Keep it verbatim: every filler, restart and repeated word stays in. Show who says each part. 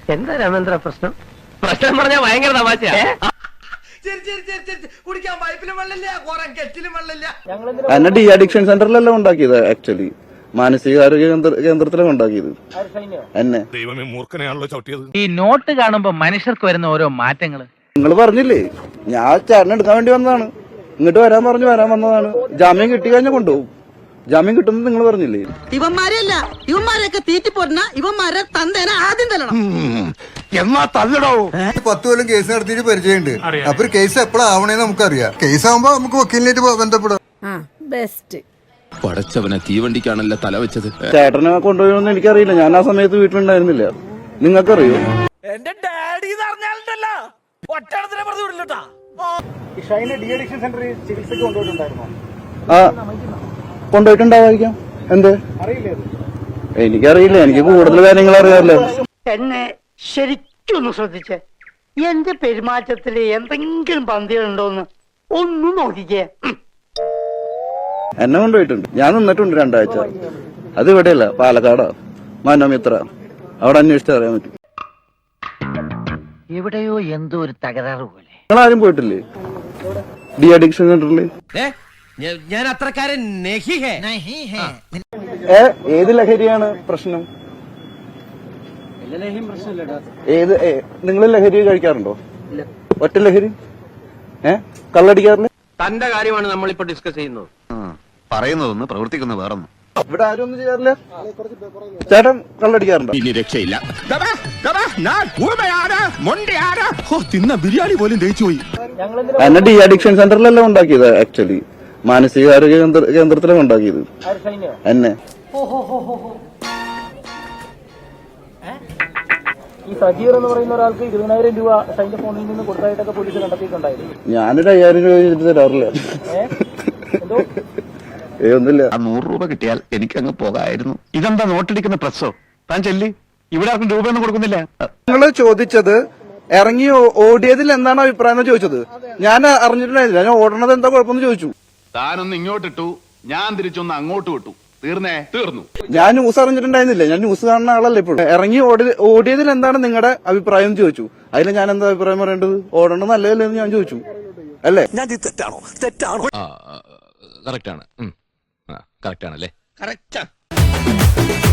Speaker 1: എന്താ രാമേന്ദ്ര പ്രശ്നം? പ്രശ്നം പറഞ്ഞാൽ ഭയങ്കര തമാശയാ.
Speaker 2: എന്നെ ഡി അഡിക്ഷൻ സെന്ററിലെല്ലാം ഉണ്ടാക്കിയത്, ആക്ച്വലി മാനസികാരോഗ്യ കേന്ദ്രത്തിലാണ് ഉണ്ടാക്കിയത് എന്നെ.
Speaker 3: ദൈവമേ, മൂർഖനെയാണല്ലോ ചവിട്ടിയത്.
Speaker 4: ഈ നോട്ട് കാണുമ്പോ മനുഷ്യർക്ക് വരുന്ന ഓരോ മാറ്റങ്ങള്
Speaker 2: നിങ്ങൾ പറഞ്ഞില്ലേ, ഞാൻ ചേട്ടനെ എടുക്കാൻ വേണ്ടി വന്നതാണ്, ഇങ്ങോട്ട് വരാൻ പറഞ്ഞു വരാൻ വന്നതാണ്. ജാമ്യം കിട്ടി കഴിഞ്ഞാൽ കൊണ്ടുപോകും. ജാമ്യം കിട്ടുന്നത് നിങ്ങൾ പറഞ്ഞില്ലേ?
Speaker 5: ഇവന്മാരെയല്ല, ഇവന്മാരെയൊക്കെ തീറ്റിപ്പോരുന്ന ഇവന്മാരെ തന്തേനെ ആദ്യം തല്ലണം.
Speaker 3: എന്നാ തല്ലടോ.
Speaker 6: പത്ത് കൊല്ലം കേസ് നടത്തിയിട്ട് പരിചയമുണ്ട്. അപ്പൊ ഒരു കേസ് എപ്പോഴാവണേന്ന് നമുക്കറിയാം. കേസ് ആവുമ്പോ നമുക്ക് വക്കീലിനായിട്ട് ബന്ധപ്പെടാം.
Speaker 5: ബെസ്റ്റ്.
Speaker 7: പടച്ചവനെ തീവണ്ടിക്കാണല്ലോ തല വെച്ചത്.
Speaker 2: ചേട്ടനെ കൊണ്ടുപോയൊന്നും എനിക്കറിയില്ല, ഞാൻ ആ സമയത്ത് വീട്ടിലുണ്ടായിരുന്നില്ല. നിങ്ങൾക്കറിയോ?
Speaker 1: എന്റെ ഡാഡി പറഞ്ഞാലുണ്ടല്ലോ ഒറ്റടത്തിനെ പറഞ്ഞു വിടില്ലട്ടാ.
Speaker 2: ആ കൊണ്ടുപോയിട്ടുണ്ടാവായിരിക്കാം. എന്ത് എനിക്കറിയില്ല, എനിക്ക് കൂടുതൽ കാര്യങ്ങൾ അറിയാറില്ല.
Speaker 1: എന്നെ ശരിക്കൊന്ന് ശ്രദ്ധിച്ചേ, എന്റെ പെരുമാറ്റത്തില് എന്തെങ്കിലും പന്തികളുണ്ടോന്ന് ഒന്നും നോക്കിക്കേ.
Speaker 2: എന്നെ കൊണ്ടുപോയിട്ടുണ്ട്, ഞാൻ നിന്നിട്ടുണ്ട് രണ്ടാഴ്ച. അത് ഇവിടെയല്ല, പാലക്കാടാ, മനോമിത്ര. അവിടെ അന്വേഷിച്ച് അറിയാൻ പറ്റും.
Speaker 4: എവിടെയോ എന്തോ ഒരു തകരാറ് പോലെ.
Speaker 2: നിങ്ങൾ ആരും പോയിട്ടില്ലേ ഡി അഡിക്ഷൻ സെന്ററിൽ?
Speaker 1: ഞാൻ അത്രക്കാരൻ
Speaker 2: ഏ ഏത് ലഹരിയാണ് പ്രശ്നം? ഏത് നിങ്ങൾ ലഹരി കഴിക്കാറുണ്ടോ? ഒറ്റ ലഹരി? ഏ കള്ളടിക്കാറില്ല?
Speaker 1: തന്റെ കാര്യമാണ് നമ്മളിപ്പോ ഡിസ്കസ് ചെയ്യുന്നത്.
Speaker 7: പറയുന്നതൊന്ന് പ്രവർത്തിക്കുന്ന വേറൊന്നും.
Speaker 2: ഇവിടെ ആരും ഒന്നും ചെയ്യാറില്ല. ചേട്ടൻ കള്ളടിക്കാറുണ്ടോ?
Speaker 7: ഇനി രക്ഷയില്ല. തിന്ന ബിരിയാണി പോലും ദഹിച്ചു പോയി.
Speaker 2: എന്നെ ഡി അഡിക്ഷൻ സെന്ററിലെല്ലാം ഉണ്ടാക്കിയത്, ആക്ച്വലി മാനസികാരോഗ്യ കേന്ദ്രത്തിലാണ് ഉണ്ടാക്കിയത് എന്നെ.
Speaker 8: ഈ സജീർ എന്ന് പറയുന്ന ഒരാൾക്ക് ഇരുപതിനായിരം രൂപ ഷൈന്റെ ഫോണിൽ നിന്ന് കൊടുത്തായിട്ടൊക്കെ പോലീസ് കണ്ടെത്തിയിട്ടുണ്ടായിരുന്നു.
Speaker 2: ഞാനൊരു അയ്യായിരം രൂപ ചോദിച്ചിട്ട് തരാറില്ല. ഏ ഒന്നുമില്ല.
Speaker 7: നൂറ് രൂപ കിട്ടിയാൽ എനിക്കങ്ങ് പോകായിരുന്നു. ഇതെന്താ നോട്ടടിക്കുന്ന പ്രസ്സോ? താൻ ചെല്ലി, ഇവിടെ ആർക്കും രൂപയൊന്നും കൊടുക്കുന്നില്ല.
Speaker 2: നിങ്ങൾ ചോദിച്ചത് ഇറങ്ങി ഓടിയതിൽ എന്താണ് അഭിപ്രായം എന്ന് ചോദിച്ചത്. ഞാൻ അറിഞ്ഞിട്ടുണ്ടായിരുന്നില്ല, ഞാൻ ഓടണത് എന്താ കുഴപ്പമെന്ന് ചോദിച്ചു.
Speaker 7: താനൊന്ന് ഇങ്ങോട്ടിട്ടു, ഞാൻ തിരിച്ചൊന്ന് അങ്ങോട്ട് വിട്ടു. തീർന്നേ തീർന്നു.
Speaker 2: ഞാൻ ന്യൂസ് അറിഞ്ഞിട്ടുണ്ടായിരുന്നില്ല, ഞാൻ ന്യൂസ് കാണുന്ന ആളല്ല ഇപ്പോൾ. ഇറങ്ങി ഓടി ഓടിയതിൽ എന്താണ് നിങ്ങളുടെ അഭിപ്രായം എന്ന് ചോദിച്ചു. അതിൽ ഞാൻ എന്താ അഭിപ്രായം പറയേണ്ടത്? ഓടണം നല്ലതല്ലേ എന്ന് ഞാൻ ചോദിച്ചു. അല്ലേ?
Speaker 3: തെറ്റാണോ? തെറ്റാണോ?
Speaker 7: കറക്റ്റ് ആണ്. കറക്റ്റ് ആണല്ലേ? കറക്റ്റ്.